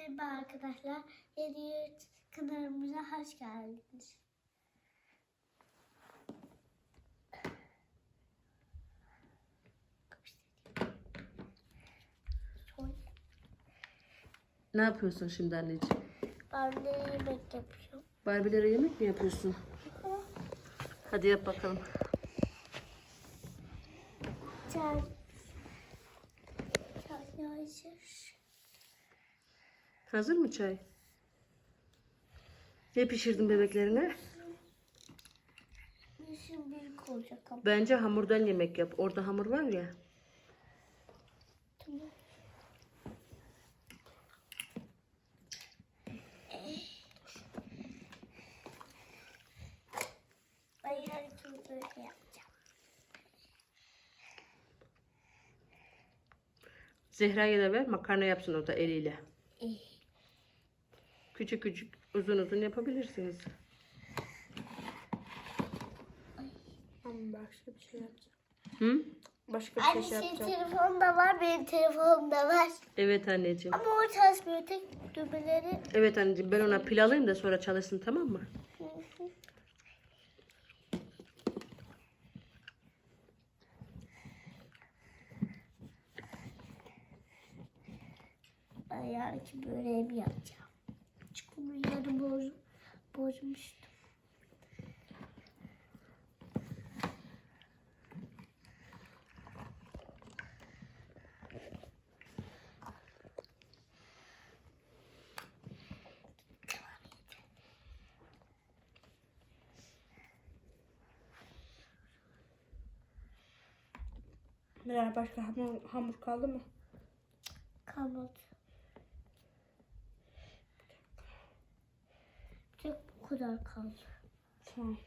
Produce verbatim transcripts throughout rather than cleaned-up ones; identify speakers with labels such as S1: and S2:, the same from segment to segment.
S1: Merhaba arkadaşlar. Yeni kanalımıza hoş geldiniz.
S2: Ne yapıyorsun şimdi anneciğim?
S1: Ben de yemek yapıyorum.
S2: Barbilere yemek mi yapıyorsun? Hadi yap bakalım.
S1: Çay. Çay hazır.
S2: Hazır mı çay? Ne pişirdin bebeklerine?
S1: Bizim büyük olacak ama.
S2: Bence hamurdan yemek yap. Orada hamur var ya.
S1: Tamam. Ben her türlü böyle yapacağım.
S2: Zehra'ya da ver, makarna yapsın o da eliyle.
S1: İyi.
S2: Küçük küçük, uzun uzun yapabilirsiniz.
S3: Ama başka bir şey yapacağım.
S2: Hı?
S3: Başka bir
S1: Anne
S3: şey
S1: senin
S3: yapacağım.
S1: telefonun da var, benim telefonum da var.
S2: Evet anneciğim.
S1: Ama o çalışmıyor, tek düğmeleri.
S2: Evet anneciğim, ben ona pil alayım da sonra çalışsın, tamam mı?
S1: Ben yarınki böreğimi yapacağım. Çünkü bunu yarın boz, bozmuştum.
S3: Meral başka hamur, hamur kaldı mı?
S1: Kalmadı. Tek bu kadar kaldı.
S3: Tamam.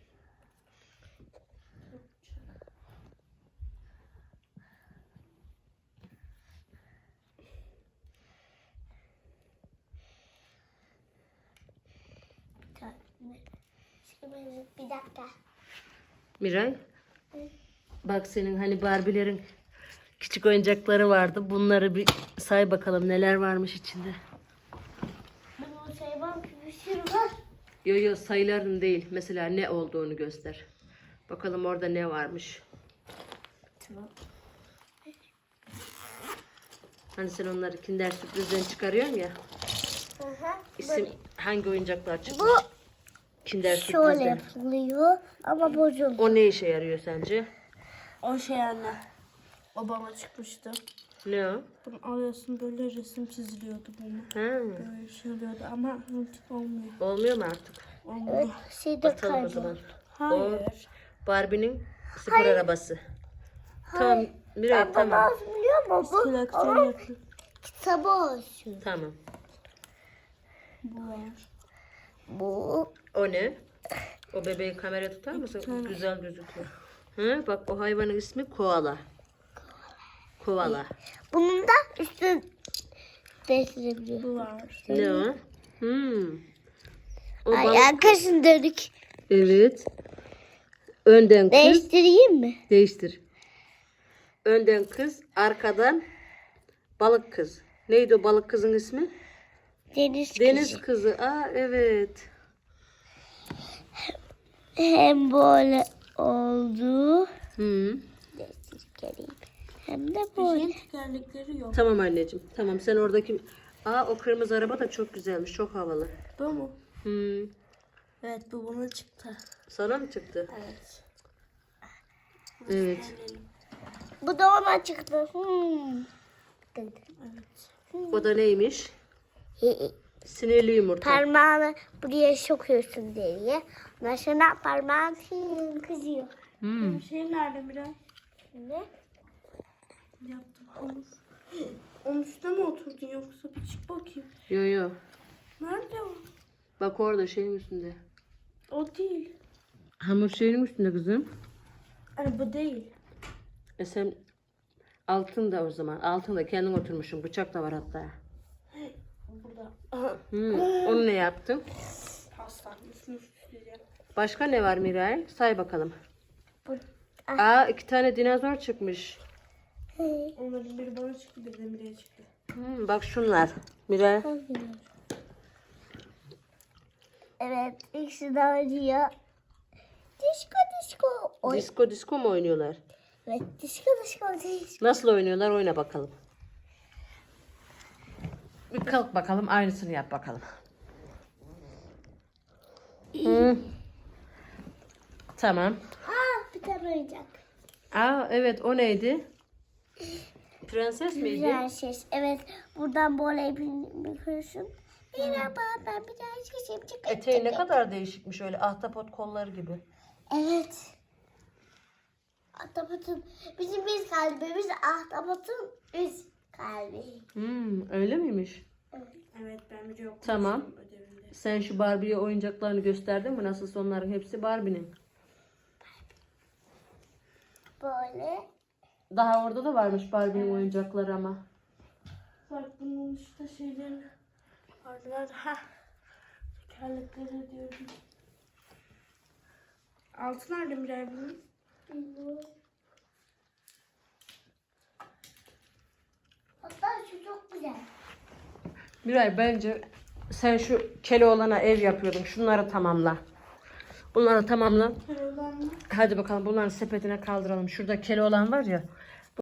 S1: Bir tane. Şimdi bir dakika.
S2: Miray, bak senin hani Barbie'lerin küçük oyuncakları vardı. Bunları bir say bakalım, neler varmış içinde.
S1: Ben onu sevmem ki bir sürü var.
S2: Yo yo, sayıların değil. Mesela ne olduğunu göster. Bakalım orada ne varmış.
S1: Tamam.
S2: Hani sen onları Kinder Sürpriz'den çıkarıyorsun ya.
S1: Hı hı.
S2: İsim hangi oyuncaklar çıkmış?
S1: Bu
S2: Kinder
S1: şöyle
S2: Sürpriz'den.
S1: yapılıyor ama bozuldu.
S2: O ne işe yarıyor sence?
S3: O şey anne. O bana çıkmıştı.
S2: Ne o?
S3: Bunu alıyorsun böyle resim çiziliyordu bunu.
S2: Ha,
S3: Böyle şey oluyordu ama artık olmuyor.
S2: olmuyor mu artık?
S3: Olmuyor.
S1: Evet, şey de
S2: Atalım o zaman.
S1: kayboldu.
S3: Hayır.
S2: Barbie'nin spor arabası. Tamam Miray,
S1: Ben
S2: tamam.
S1: bunu biliyor musun? Bu
S3: Koleksiyon
S1: onun
S3: yapıyor.
S1: kitabı olsun.
S2: Tamam.
S3: Bu var.
S1: Bu
S2: O ne? O bebeği kameraya tutar mısın? Güzel gözüküyor. Hı, bak o hayvanın ismi koala. Koala.
S1: bunun da üstü değiştirebiliyor.
S3: Bu var.
S2: Ne o? Hmm. O
S1: Ay
S2: balık.
S1: arkasını dönük.
S2: Evet. Önden kız.
S1: Değiştireyim mi?
S2: Değiştir. Önden kız, arkadan balık kız. Neydi o balık kızın ismi?
S1: Deniz,
S2: Deniz
S1: kızı.
S2: kızı. Aa evet.
S1: Hem böyle oldu.
S2: Hı.
S1: Geleyim. Hem de böyle.
S3: Şeyin tekerlekleri yok.
S2: Tamam anneciğim. Tamam sen oradaki... Aa o kırmızı araba da çok güzelmiş. Çok havalı.
S3: Bu mu?
S2: Hı.
S3: Evet bu buna çıktı.
S2: Sana mı çıktı?
S3: Evet.
S2: Evet.
S1: Bu da ona çıktı. Hmm. Dedi.
S3: Evet.
S2: O da neymiş? Sinirli yumurta.
S1: Parmağını buraya sokuyorsun diye. Ondan sonra parmağın film kızıyor.
S2: Hmm.
S3: Bu şey nerede Miray?
S1: Ne?
S3: Yaptım hamur. Onun üstüne mi oturdun yoksa bir çık bakayım.
S2: Yo yo.
S3: Nerede o?
S2: Bak orada şeyin üstünde.
S3: O değil.
S2: Hamur şeyin üstünde kızım.
S3: Hani bu değil.
S2: E sen altında o zaman. Altında kendin oturmuşsun. Bıçak da var hatta.
S3: Burada.
S2: Hmm. Onu ne yaptın?
S3: Pastanın üstünü süsleyeceğim.
S2: Başka ne var Miray? Say bakalım.
S1: Bu.
S2: Aa iki tane dinozor çıkmış.
S3: Onların biri bana çıktı, biri de Miray'a çıktı.
S2: Hmm, bak şunlar. Miray.
S1: Ah. Evet, ikisi de oynuyor. Disko disko. Oy.
S2: Disko disko mu oynuyorlar?
S1: Evet, disko disko disko.
S2: Nasıl oynuyorlar? Oyna bakalım. Bir kalk bakalım. Aynısını yap bakalım. Hı. Tamam.
S1: Aa, bir tane oyuncak.
S2: Aa evet, o neydi? Prenses miydi?
S1: Prenses. Evet, buradan böyle bakıyorsun. Merhaba, ben prensesim. Çık.
S2: Eteği ne kadar değişikmiş, öyle ahtapot kolları gibi.
S1: Evet. Ahtapotun, bizim biz kalbimiz ahtapotun üst kalbi.
S2: Hmm, öyle miymiş?
S3: Evet ben bir yok.
S2: Tamam.
S3: Ödevinde.
S2: Sen şu Barbie'ye oyuncaklarını gösterdin mi? Nasılsa onların hepsi Barbie'nin.
S1: Böyle.
S2: Daha orada da varmış Barbie'nin oyuncakları ama.
S3: Bak bunun işte şeylerini vardılar. Ha. Tekerlekleri diyorum. Altı nerede Miray bunun?
S1: Hatta şu çok güzel.
S2: Miray, bence sen şu Keloğlan'a ev yapıyordun. Şunları tamamla. Bunları tamamla.
S3: Karavan mı?
S2: Hadi bakalım, bunların sepetine kaldıralım. Şurada Keloğlan var ya.